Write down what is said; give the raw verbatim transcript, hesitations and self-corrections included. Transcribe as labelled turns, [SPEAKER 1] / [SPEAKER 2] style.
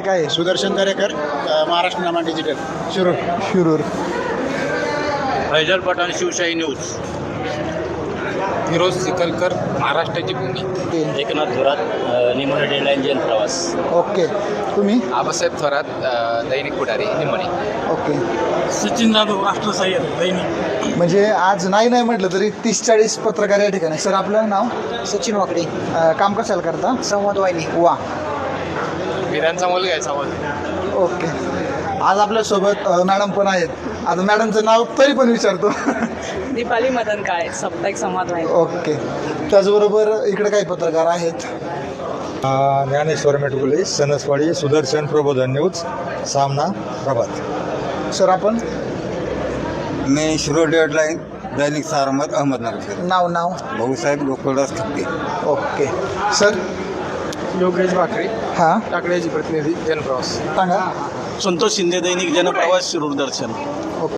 [SPEAKER 1] काय आहे?
[SPEAKER 2] सुदर्शन दरेकर, अ, महाराष्ट्र नामा डिजिटल शिरूर.
[SPEAKER 1] शिरूर.
[SPEAKER 3] फैजल पठाण, शिवशाही न्यूज.
[SPEAKER 4] फिरोज सिकलकर, महाराष्ट्राची भूमी.
[SPEAKER 3] एकनाथ थोरात, निमोनी डेडलाईन जैन प्रवास.
[SPEAKER 1] ओके. तुम्ही?
[SPEAKER 4] आबासाहेब थोरात, अ, दैनिक पुढारी निमणी.
[SPEAKER 1] ओके.
[SPEAKER 5] सचिन जाधव, राष्ट्रसाहेब दैनिक.
[SPEAKER 1] म्हणजे आज नाही नाही म्हटलं तरी तीस चाळीस पत्रकार या ठिकाणी. सर आपलं नाव?
[SPEAKER 6] सचिन वाकडे,
[SPEAKER 1] अ, काम कशाला करता?
[SPEAKER 6] संवाद वाहिनी.
[SPEAKER 1] वा.
[SPEAKER 4] वीरांचा मुलगा आहे समज.
[SPEAKER 1] ओके. आज आपल्यासोबत अ, मॅडम पण आहेत. आता मॅडमचं नाव तरी पण विचारतो.
[SPEAKER 6] दीपाली मदन काळे, साप्ताहिक संवाद वाहिनी.
[SPEAKER 1] ओके. त्याचबरोबर इकडे काही पत्रकार आहेत.
[SPEAKER 7] ज्ञानेश्वर मेटकुले, सणसवाडी, सुदर्शन प्रबोधन न्यूज, सामना, प्रभात.
[SPEAKER 1] सर आपण?
[SPEAKER 8] मी शिरोळ डेडलाईन, दैनिक सारमत, अहमदनगर.
[SPEAKER 1] नाव नाव?
[SPEAKER 8] भाऊसाहेब गोकुळदास ठप्पे.
[SPEAKER 1] ओके. सर?
[SPEAKER 4] योगेश भाकरे,
[SPEAKER 1] हां
[SPEAKER 4] टाकळ्याची प्रतिनिधी जनप्रवास.
[SPEAKER 1] सांगा.
[SPEAKER 5] संतोष शिंदे, दैनिक जनप्रवास, शिरूर दर्शन.